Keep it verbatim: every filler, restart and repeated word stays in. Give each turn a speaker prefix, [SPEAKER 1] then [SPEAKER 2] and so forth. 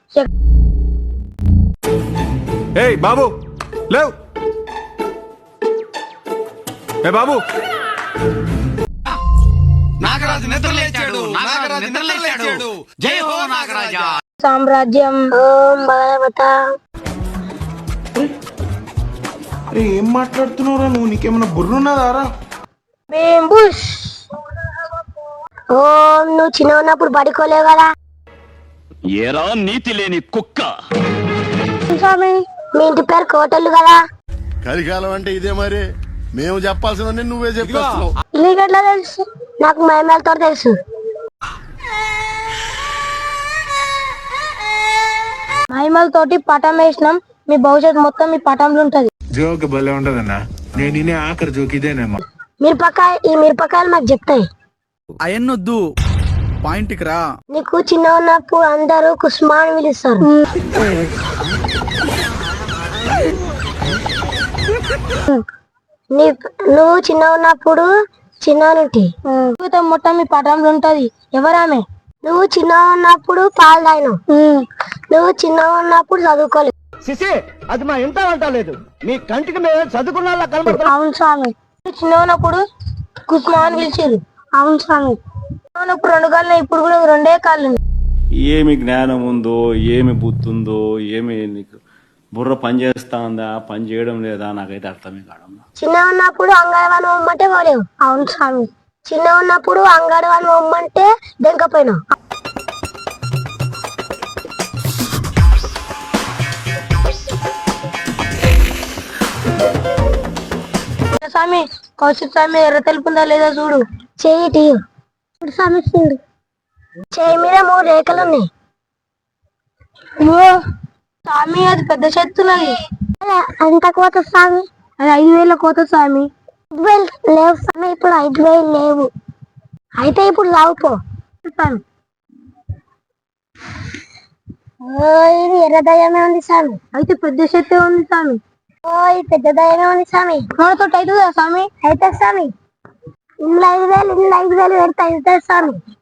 [SPEAKER 1] ఏయ్ బాబు లేవ్. ఏ బాబు
[SPEAKER 2] నాగరాజు నిద్రలేచాడు. నాగరాజు నిద్రలేచాడు. జై హో నాగరాజా.
[SPEAKER 3] సామ్రాజ్యం ఓం భగవత.
[SPEAKER 4] అరే ఏం మాట్లాడుతున్నావురా నువ్వు? నీకేమన్నా బుర్రున్నదారా?
[SPEAKER 3] బేంబుష్. ఓం నువ్వు చిన్న ఉన్నప్పుడు పడుకోలేవు కదా
[SPEAKER 5] ఏరా నీతి లేని కుక్క.
[SPEAKER 3] స్వామి మీ ఇంటి పేరు కోటలు కదా.
[SPEAKER 6] కలికాలం అంటే ఇదే మరి. మేము చెప్పాల్సిన నువ్వే చెప్పేస్తున్నావు.
[SPEAKER 3] నీకు ఎట్లా తెలుసు? నాకు మహిమలతో తెలుసు. మహిమలతోటి పటం వేసినాం. మీ భవిష్యత్తు మొత్తం మీ పటంలో ఉంటది.
[SPEAKER 4] జోక్ భలే ఉంటదన్నా. నేను ఇనే ఆఖరి జోక్ ఇదేనేమో.
[SPEAKER 3] మిరపకాయ ఈ మిరపకాయలు మాకు చెప్తాయి.
[SPEAKER 7] అయన్నొద్దు, పాయింట్ కి రా.
[SPEAKER 3] నీకు చిన్న ఉన్నప్పుడు అందరూ కుస్మా అని పిలుస్తారు. నీ నువ్వు చిన్న ఉన్నప్పుడు చిన్నటి జీవితం మొత్తం మీ పటంలో ఉంటది. ఎవరామె? నువ్వు చిన్న ఉన్నప్పుడు పాలు తాగినావు. నువ్వు చిన్న ఉన్నప్పుడు చదువుకోలేదు.
[SPEAKER 8] అది మా ఇంట అంటలేదు. మీ కంటికి మేము చదువుకున్న
[SPEAKER 3] అవును స్వామి. చిన్న ఉన్నప్పుడు కుస్మా అని పిలిచారు. అవును స్వామి. చిన్న ఉన్నప్పుడు రెండు కాళ్ళు, ఇప్పుడు కూడా రెండే కాళ్ళు.
[SPEAKER 9] ఏమి జ్ఞానం ఉందో, ఏమి బుద్ధి ఉందో, ఏమి నీకు బుర్ర పని చేస్తా ఉందా, పని చేయడం లేదా, నాకైతే అర్థమే కావడం.
[SPEAKER 3] చిన్న ఉన్నప్పుడు అంగడవాని బొమ్మంటే పోలేవు. అవును స్వామి. చిన్న ఉన్నప్పుడు అంగడవాని బొమ్మంటే దెంకపోయినావు. స్వామి కౌశిక్ స్వామి ఎర్ర తెలుపుందా లేదా చూడు. చెయ్యి టీ స్వామి చూడు. చెయ్యి మీద మూడు రేఖలు ఉన్నాయి. స్వామి అది పెద్ద చెత్తున్నది. అంత కోత స్వామి. అది ఐదు వేల కోత స్వామి. ఐదు వేలు లేవు స్వామి. ఇప్పుడు ఐదు వేలు లేవు. అయితే ఇప్పుడు లావుపో స్వామి. ఇది ఎర్ర దయ్యమే ఉంది స్వామి. అయితే పెద్ద చెత్తే ఉంది స్వామి. ఓ ఇది పెద్ద దయ్యమే ఉంది స్వామి. మనతో అవుతుందా స్వామి? అయితే స్వామి ఇందులో ఐదు వేలు ఇందులో ఐదు వేలు పెడితే అవుతుంది స్వామి.